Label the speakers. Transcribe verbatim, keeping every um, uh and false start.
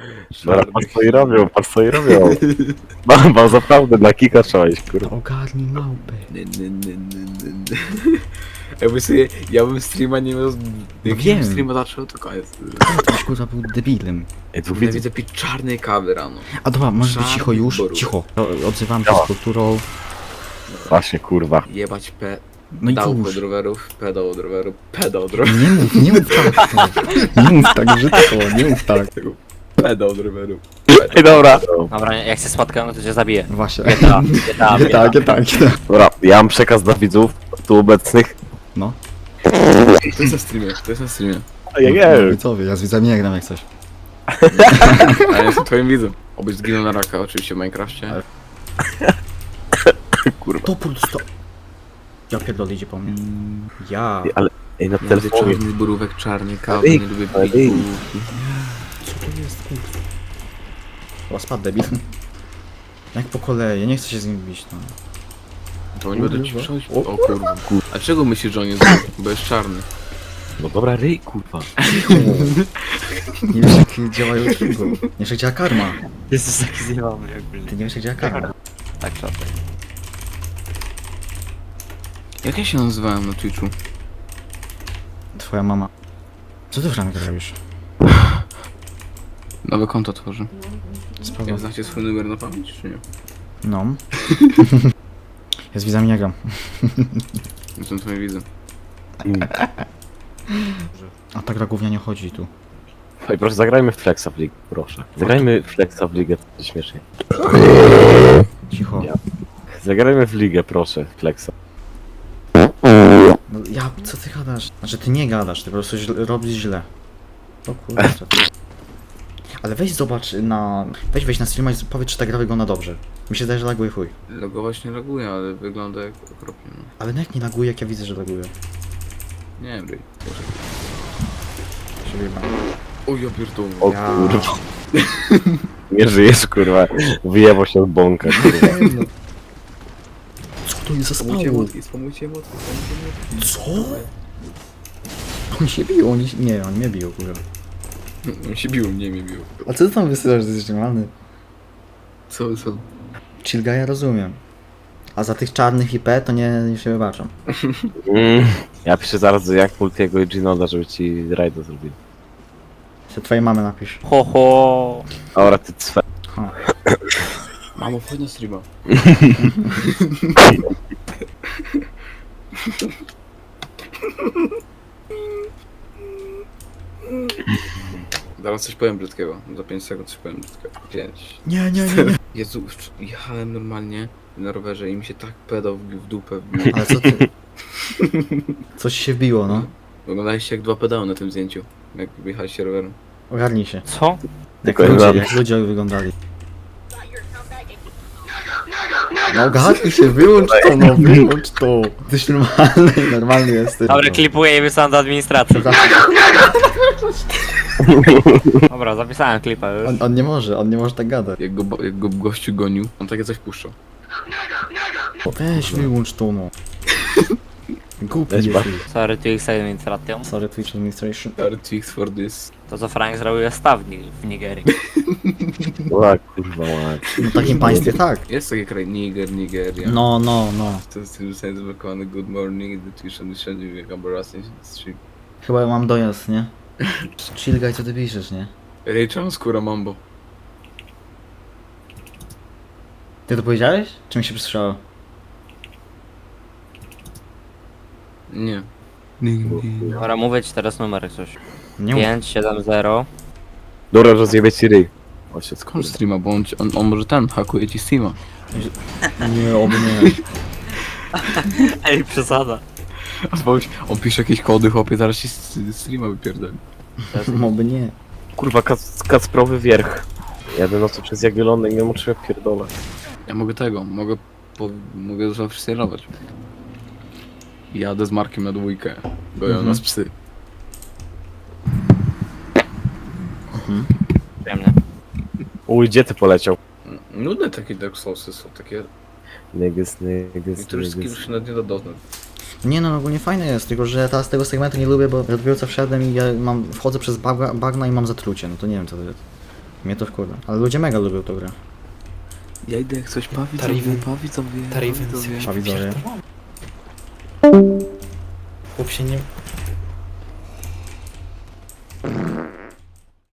Speaker 1: Dobra, patrz co i robią, patrz co i robią. Mam, mam naprawdę na kika trzeba iść, kurwa.
Speaker 2: Ogarnij małpę.
Speaker 3: Nie, nie, nie, nie, nie, nie. Jakby sobie, ja bym streama nie miał... Jak
Speaker 2: Wiem.
Speaker 3: bym streama zaczął, to koniec.
Speaker 2: Ktoś kurwa był debilem.
Speaker 1: Ej, tu
Speaker 3: Ja
Speaker 1: widzę.
Speaker 3: widzę pić czarnej kawy rano.
Speaker 2: A dobra, możesz być
Speaker 3: Żadnych
Speaker 2: cicho już?
Speaker 3: wyborów.
Speaker 2: Cicho. O- Odzywam się
Speaker 1: Działa.
Speaker 2: z kulturą.
Speaker 1: Właśnie, kurwa.
Speaker 3: Jebać pe...
Speaker 2: No i
Speaker 3: Dał
Speaker 2: cóż.
Speaker 3: od rowerów, pedał od rowerów, pedał od rowerów,
Speaker 2: Nie mów, nie mów tak. Nie mów tak brzydko, nie mów tak.
Speaker 3: pedał od rowerów.
Speaker 1: Ej, dobra.
Speaker 4: Dobra, jak się spotkamy, to cię zabiję.
Speaker 2: Właśnie.
Speaker 4: G T A, G T A,
Speaker 2: Nie tak, nie tak, nie tak.
Speaker 1: Dobra, ja mam przekaz dla widzów tu obecnych.
Speaker 2: No.
Speaker 3: To jest na streamie, to jest na streamie.
Speaker 1: Ja
Speaker 2: No,
Speaker 1: wiem.
Speaker 2: widzowie, ja z widzami nie gram jak coś.
Speaker 3: A ja jestem twoim widzem. Obyś zginął na raka, oczywiście w Minecrafcie.
Speaker 2: Ale-
Speaker 1: Kurwa.
Speaker 2: To pusto. Ja pierdolę, idzie po mnie. Ja.
Speaker 1: Ale, ej, na
Speaker 3: Ja lubię
Speaker 1: telefonie.
Speaker 3: czarny borówek, czarny kawy,
Speaker 1: Ej,
Speaker 3: nie lubię
Speaker 1: ej.
Speaker 3: pików.
Speaker 2: Co to jest, kurwa? Chyba spadł debil. Jak po kolei, ja nie chcę się z nim bić, no.
Speaker 3: To nie będę ci
Speaker 2: Kurwa.
Speaker 3: przechodzić. O kurwa. A czego myślisz, że on jest zły? Bo jest czarny.
Speaker 1: No dobra, ryj, kurwa.
Speaker 2: Nie wiesz jak działa już go. Nie wiesz jak działa karma.
Speaker 4: Jesteś taki zjebany jakby.
Speaker 2: Ty nie wiesz jak działa karma.
Speaker 4: Tak, szatę.
Speaker 3: Jak ja się nazywałem na Twitchu?
Speaker 2: Twoja mama. Co ty Franek robisz?
Speaker 3: Nowe konto tworzę.
Speaker 2: Spoko.
Speaker 3: Jak znacie swój numer na pamięć, czy nie?
Speaker 2: No. Ja z widzami nie gram.
Speaker 3: Jestem twoim widzem.
Speaker 2: A ta gra gównia nie chodzi tu.
Speaker 1: Ej, proszę, zagrajmy w Flexa w ligę, proszę. Zagrajmy w Flexa w ligę, to będzie śmiesznie.
Speaker 2: Cicho.
Speaker 1: Ja. Zagrajmy w ligę, proszę, Flexa.
Speaker 2: No, ja, co ty gadasz? Znaczy ty nie gadasz, ty po prostu źle, robisz źle. O kurczę. Ale weź zobacz na... Weź weź na streama i powiedz czy ta gra wygląda dobrze. Mi się zdaje, że laguje chuj.
Speaker 3: Logować nie loguje, ale wygląda jak okropnie. No.
Speaker 2: Ale no jak nie laguje, jak ja widzę, że laguje.
Speaker 3: Nie wiem, ryj.
Speaker 2: Się wyjebałem.
Speaker 3: O ja pierdolę.
Speaker 1: O
Speaker 2: Ja.
Speaker 1: kurwa. Nie żyjesz, kurwa. Wyjebał się od bąka, kurwa.
Speaker 2: Co to jest za
Speaker 3: Spamujcie
Speaker 2: spało?
Speaker 3: emotki, spamujcie emotki, spamujcie emotki.
Speaker 2: Co? Oni się biją, oni się... Nie, oni mnie biją, kurwa.
Speaker 3: On się bił, nie mnie bił.
Speaker 2: A co ty tam wysyłasz, że jesteś normalny?
Speaker 3: Co, co?
Speaker 2: Chill guy, ja rozumiem. A za tych czarnych I P to nie, nie się wybaczam.
Speaker 1: Mm. Ja piszę zaraz do jak Multiego i Ginoda, żeby ci rajda zrobili.
Speaker 2: Się twojej mamy napisz.
Speaker 4: Ho, ho.
Speaker 1: Dobra, ty cwe...
Speaker 2: Ha.
Speaker 3: Mamo, wchodź na streama. Zaraz coś powiem brzydkiego. Za pięć sekund coś powiem brzydkiego. pięć.
Speaker 2: Nie, nie, nie, nie.
Speaker 3: Jezu, wcz- jechałem normalnie na rowerze i mi się tak pedał wbił w dupę wbił.
Speaker 2: Ale co ty? Coś się wbiło, no.
Speaker 3: Wyglądaliście jak dwa pedały na tym zdjęciu. Jak wyjechaliście rowerem.
Speaker 2: Ogarnij się.
Speaker 4: Co?
Speaker 2: Jak
Speaker 1: Tylko
Speaker 2: ludzie,
Speaker 1: znam.
Speaker 2: jak ludzie wyglądali. No ogarnij się, wyłącz to, no wyłącz to. Jesteś normalny, normalny jesteś.
Speaker 4: Dobra,
Speaker 2: no.
Speaker 4: klipuję i wysyłam do administracji. Dobra, zapisałem klipa już.
Speaker 2: On, on nie może, on nie może tak gadać.
Speaker 3: Jak go, jak go gościu gonił, on takie coś puszczał.
Speaker 2: Weź wyłącz to, no. Głupi
Speaker 1: Weź
Speaker 2: jesteś.
Speaker 4: Sorry, tu ich administracją.
Speaker 2: Sorry, Twitch Administration.
Speaker 3: Artix for this.
Speaker 4: To co Frank zrobił jest staw w Nigerii.
Speaker 1: Ła, kurwa, ła.
Speaker 2: No w takim państwie tak.
Speaker 3: Jest taki kraj Niger, Nigeria.
Speaker 2: No, no, no.
Speaker 3: To jest tym zostanie zablokowany Good Morning, The Twitch and wszędzie jak embarrassing stream.
Speaker 2: Chyba mam dojazd, nie? Chill guy, co ty piszesz, nie?
Speaker 3: Ray, czemu skóra mambo?
Speaker 2: Ty to powiedziałeś? Czy mi się przysłyszało?
Speaker 3: Nie.
Speaker 4: Dobra, mówię ci teraz numer coś.
Speaker 2: Nie mów.
Speaker 4: pięć siedem zero.
Speaker 1: Dobra, rozjebie ci ryj. O się
Speaker 3: Skąd
Speaker 1: skąd?
Speaker 3: streama, bo on, ci- on, on może ten, hakuje ci Steama.
Speaker 2: Nie, oby nie.
Speaker 4: Ej, przesada.
Speaker 3: On pisze jakieś kody, chłopie, zaraz ci s- streama wypierdoli.
Speaker 2: Oby nie.
Speaker 1: Kurwa, kac, kacprowy wierch. Jadę nocą przez Jagiellonę i nie muszę jak pierdolę.
Speaker 3: Ja mogę tego, mogę, po, mogę zafreestylować. Jadę z Markiem na dwójkę, goją
Speaker 2: Mhm.
Speaker 3: nas psy.
Speaker 4: Przyjemnie.
Speaker 1: Uj, gdzie ty poleciał?
Speaker 3: Nudne takie Dark Soulsy są, takie...
Speaker 1: Niggas, niggas,
Speaker 3: Niektórych skillów
Speaker 1: niggas.
Speaker 3: się nawet nie da doznać.
Speaker 2: Nie no, ogólnie fajne jest, tylko że teraz tego segmentu nie lubię, bo ja dopiero co wszedłem i ja mam, wchodzę przez bagna, bagna i mam zatrucie, no to nie wiem co to jest. Mnie to wkurza. Ale ludzie mega lubią tą grę.
Speaker 3: Ja idę jak coś pawić,
Speaker 5: Tariven.
Speaker 3: pawić sobie,
Speaker 5: Tariven
Speaker 3: pawić sobie.
Speaker 2: A widzowie.
Speaker 5: Chłop się nie...